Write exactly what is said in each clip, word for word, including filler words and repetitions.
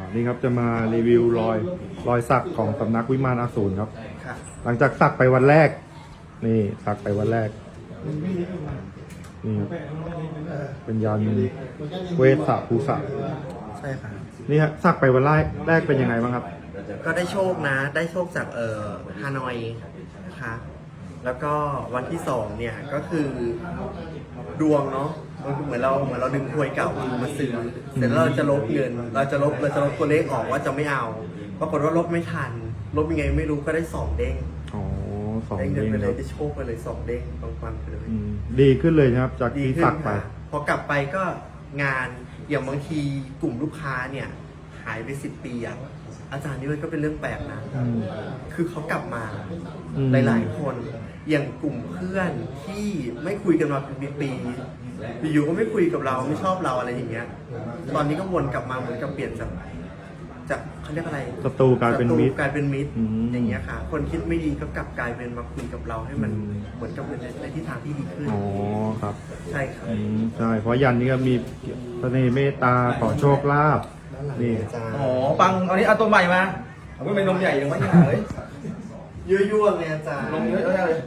นี่ครับจะมารีวิวรอยรอยสักของสำนักวิมานอสูรครับค่ะหลังจากสักไปวันแรก นี่สักไปวันแรกนี่ครับเป็นยันเวสสะภูสะใช่ค่ะนี่ฮะสักไปวันแรกแรกเป็นยังไงบ้างครับก็ได้โชคนะ ได้โชคจากเอ่อฮานอยนะคะ แล้วก็วันที่สองเนี่ยก็คือดวงเนาะมันเหมือนเราเหมือนเราดึงถวยเก่ามาซื้อเสร็จแล้วเราจะลบเงิน เราจะลบเราจะลบตัวเลขออกว่าจะไม่เอาปรากฏว่าลบไม่ทัน ลบยังไงไม่รู้ก็ได้สองเด้งอ๋อสองได้เงินเด้งไปเลครัยบได้โชคไปเลยสองเด้งตรงวันไปเลยอืมดีขึ้นเลยนะครับ จากดีที่ขึ้สันกไปค่ะพอกลับไปก็งานอย่างบางทีกลุ่มลูกค้าเนี่ยหายไปสิบปีอะอาจารย์นี่มันก็เป็นเรื่องแปลกนะอืมคือเขากลับมาอืมหลายๆคน อย่างกลุ่มเพื่อนที่ไม่คุยกันมาเป็นปีๆอยู่ๆก็ไม่คุยกับเราไม่ชอบเราอะไรอย่างเงี้ย ตอนนี้ก็วนกลับมาเหมือนกับเปลี่ยนจากจากเขาเรียกอะไรศัตรูกลายเป็นมิตรศักลายเป็นมิตรอืมอย่างเงี้ยค่ะ คนคิดไม่ดีก็กลับกลายเป็นมาคุยกับเราให้มันอืมเหมือนกับเป็นในในทิศทางที่ดีขึ้นอ๋อครับใช่ครับอืมใช่เพราะยันนี่ก็มีเสน่ห์เมตตาขอโชคลาภนี่อาจารย์อ๋อปังเอานี้เอาตัวใหม่มาเอาไม่เป็นนมใหญ่อย่างวะเนี่ยเฮ้ยยั่วๆเลยอาจารย์นมเยอะๆเลย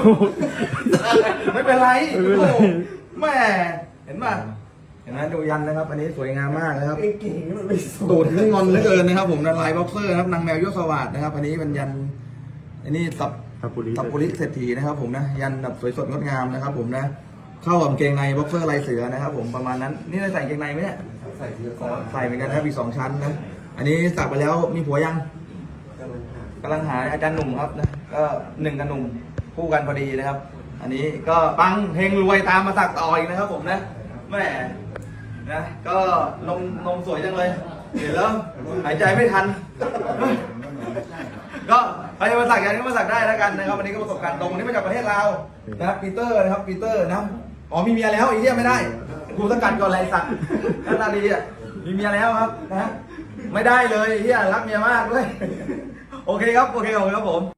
ไม่เป็นไรไม่เป็นไรโอ้แม่เห็นป่ะเห็นไหมดูยันนะครับ อันนี้สวยงามมากนะครับเก่งๆมันไม่สตูดนี่งอนเหลือเกินนะครับผมลายบ็อกเซอร์นะครับนางแมวยศสวัสดนะครับ อันนี้เป็นยันอันนี้สับทับปุริสับปุริเศรษฐีนะครับผมนะยันแบบสวยสดงดงามนะครับผมนะเข้ากับกางเกงในบ็อกเซอร์ลายเสือนะครับผมประมาณนั้นนี่ได้ใส่กางเกงในไหมเนี่ยใส่เสื้ออ๋อใส่เหมือนกันนะครับมีสองชั้นนะอันนี้สักไปแล้วมีผัวยัง กำลังหาอาจารย์หนุ่มครับนะก็หนึ่งกับหนุ่มคู่กันพอดีนะครับ อันนี้ก็ปังเฮงรวยตามมาสักต่ออีกนะครับผมนะแม่นะก็นมนมสวยจังเลยเห็นแล้วหายใจไม่ทัน ก็ใครจะมาสักยันก็มาสักได้แล้วกันนะครับวันนี้ก็ประสบการณ์ตรงวันนี้มาจากประเทศลาวนะครับปีเตอร์นะครับปีเตอร์นะอ๋อมีเมียแล้วอีกเรียไม่ได้กูสกัดก่อนไรสักหน้าตาดีอ่ะมีเมียแล้วครับนะไม่ได้เลยเฮียรักเมียมากด้วย โอเคครับ โอเคขอบคุณครับผม